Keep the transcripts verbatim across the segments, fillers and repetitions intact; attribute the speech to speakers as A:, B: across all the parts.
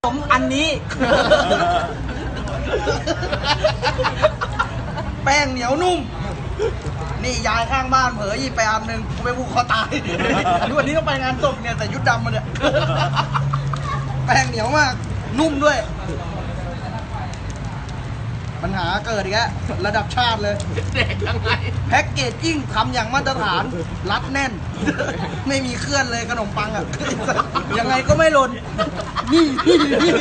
A: ผมอันนี้ แป้งเหนียวนุ่มนี่ยายข้างบ้านเผลอหยิบไปอันหนึ่งกูไปผูกคอตายดูวันนี้ต้องไปงานศพเนี่ยแต่ยุดดำมาเนี่ยแป้งเหนียวมากนุ่มด้วยปัญหาเกิดอีกแล้วระดับชาติเลยเด็กยังไงแพ็กเกจจิ้งทำอย่างมาตรฐานรัดแน่นไม่มีเคลื่อนเลยขนมปังอ่ะยังไงก็ไม่หล่นนี่นี่นี่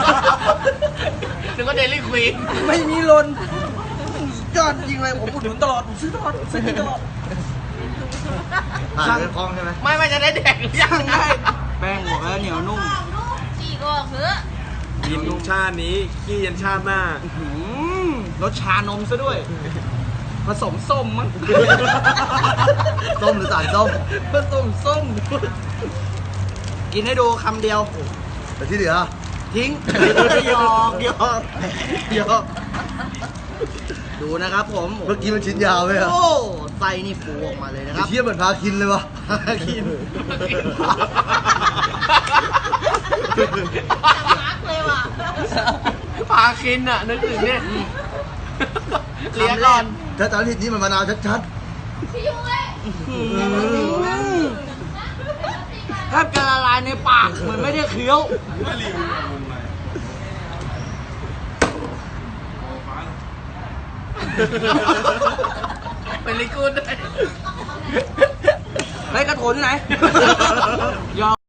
B: นึกว่าเดลี่ควีน
A: ไม่มีหล่นยอดจริงเลยผมอุดหนุนตลอดผมซื้อตลอดซื้อตลอด
C: ผ่านเรื่องคล้องใช่ไหม
B: ไม่ไม่จะได้แดกหรือยังไง
A: แป้งหัวเหนียวนุ่ม
D: จีก็เหือ
C: กินชาตินี้ขี้ยันชาติหน้าร
A: สชานมซะด้วยผสมส้มมั้ง
C: ส้มหรือสารส้ม
A: ผสมส้มกินให้ดูคำเดียว
C: แต่ที่เหลือ
A: ทิ้งหยอกหยอกหยอกดูนะครับผม
C: เมื่อกี้มันชิ้นยาวไหมครับ
A: โอ้ไส้นี่ฟูออกมาเลยนะครับ
C: เทียบเหมือนพาคินเลยวะ
A: พาคิน
D: มาร์กเลยว่ะ
B: พาคินอ่ะนึกถึงเนี่ย
A: เลี้ยงก่อน
C: ถ้าตอนที่นี่มันมะนาวชัด
D: ชิวเลย
A: แทบจะละลายในปากเหมือนไม่ได้เคี้ยว
B: เป็นลิกูดได้
A: ไอ้กระโถนที่ไหน